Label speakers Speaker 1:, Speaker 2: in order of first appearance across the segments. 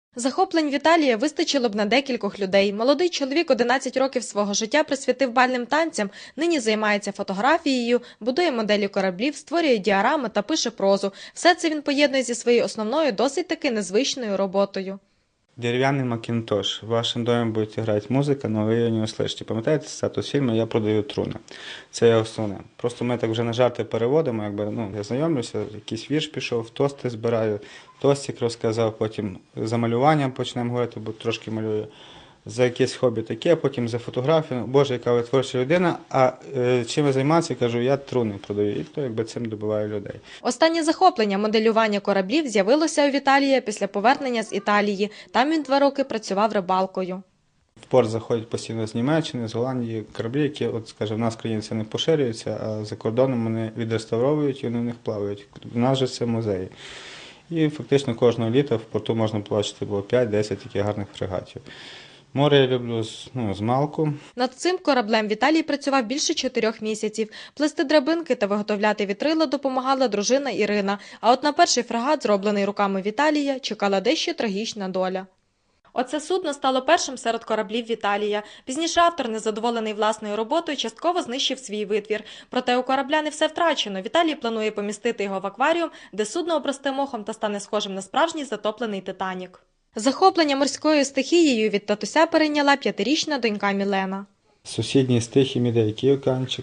Speaker 1: Захоплень Віталія вистачило б на декількох людей. Молодий чоловік 11 років свого життя присвятив бальним танцям, нині займається фотографією, будує моделі кораблів, створює діарами та пише прозу. Все це він поєднує зі своєю основною, досить таки незвичною роботою.
Speaker 2: Дерев'яний Макінтош. В вашому домі буде грати музика, але ви її не услышите. Пам'ятаєте статус фільму «Я продаю труни»? Це є основне. Просто ми так вже на жарти переводимо, я знайомлюся, якийсь вірш пішов, тости збираю, тостик розказав, потім за малюванням почнемо говорити, бо трошки малюю. За якесь хобі таке, потім за фотографію. Боже, яка ви творча людина, а чим ви займаєтеся? Кажу, я труни продаю. І то цим добиваю людей.
Speaker 1: Останнє захоплення – моделювання кораблів – з'явилося у Віталія після повернення з Італії. Там він 2 роки працював рибалкою.
Speaker 2: В порт заходять постійно з Німеччини, з Голландії кораблі, які, в нас в країні це не поширюється, а за кордоном вони відреставровують і вони в них плавають. У нас же це музеї. І фактично кожного літа в порту можна побачити 5-10 таких гарних фрегатів. Море я люблю з малку.
Speaker 1: Над цим кораблем Віталій працював більше 4 місяців. Плести драбинки та виготовляти вітрила допомагала дружина Ірина. А от на перший фрегат, зроблений руками Віталія, чекала дещо трагічна доля. Оце судно стало першим серед кораблів Віталія. Пізніше автор, незадоволений власною роботою, частково знищив свій витвір. Проте у корабля не все втрачено. Віталій планує помістити його в акваріум, де судно обросте мохом та стане схожим на справжній затоплений «Титанік». Захоплення морською стихією від татуся перейняла 5-річна донька Мілена.
Speaker 2: Сусідній стихій іде який океанчик?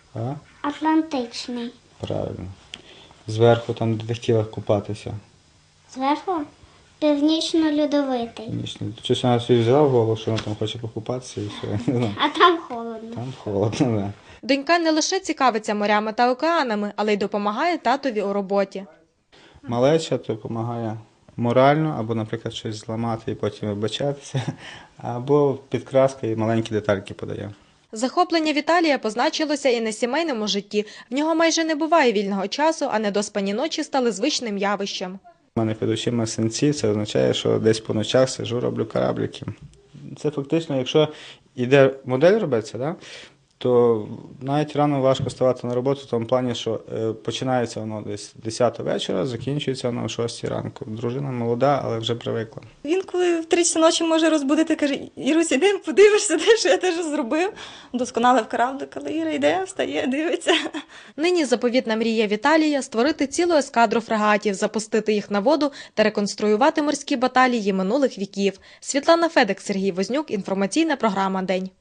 Speaker 3: Атлантичний.
Speaker 2: Правильно. Зверху, там, де ти хотіла купатися.
Speaker 3: Зверху північно-льодовитий.
Speaker 2: Щось вона собі взяла в голову, що вона там хоче покупатися і все. Не знаю.
Speaker 3: А там холодно.
Speaker 2: Там холодно, так.
Speaker 1: Донька не лише цікавиться морями та океанами, але й допомагає татові у роботі.
Speaker 2: Малеча допомагає морально, або, наприклад, щось зламати і потім вибачатися, або підкраска і маленькі детальки подає.
Speaker 1: Захоплення Віталія позначилося і на сімейному житті. В нього майже не буває вільного часу, а недоспані ночі стали звичним явищем.
Speaker 2: У мене під очима синці, це означає, що десь по ночах сиджу, роблю кораблики. Це фактично, якщо йде модель робиться, то навіть рано важко вставати на роботу в тому плані, що починається воно десь 10 вечора, закінчується воно о 6 ранку. Дружина молода, але вже привикла.
Speaker 4: Він коли в 3 часи ночі може розбудити, каже: Ірусь, іди, подивишся, те, що я теж зробив. Досконалив кораблик, але Іра йде, встає, дивиться.
Speaker 1: Нині заповітна мрія Віталія – створити цілу ескадру фрегатів, запустити їх на воду та реконструювати морські баталії минулих віків. Світлана Федик, Сергій Вознюк, інформаційна програма «День».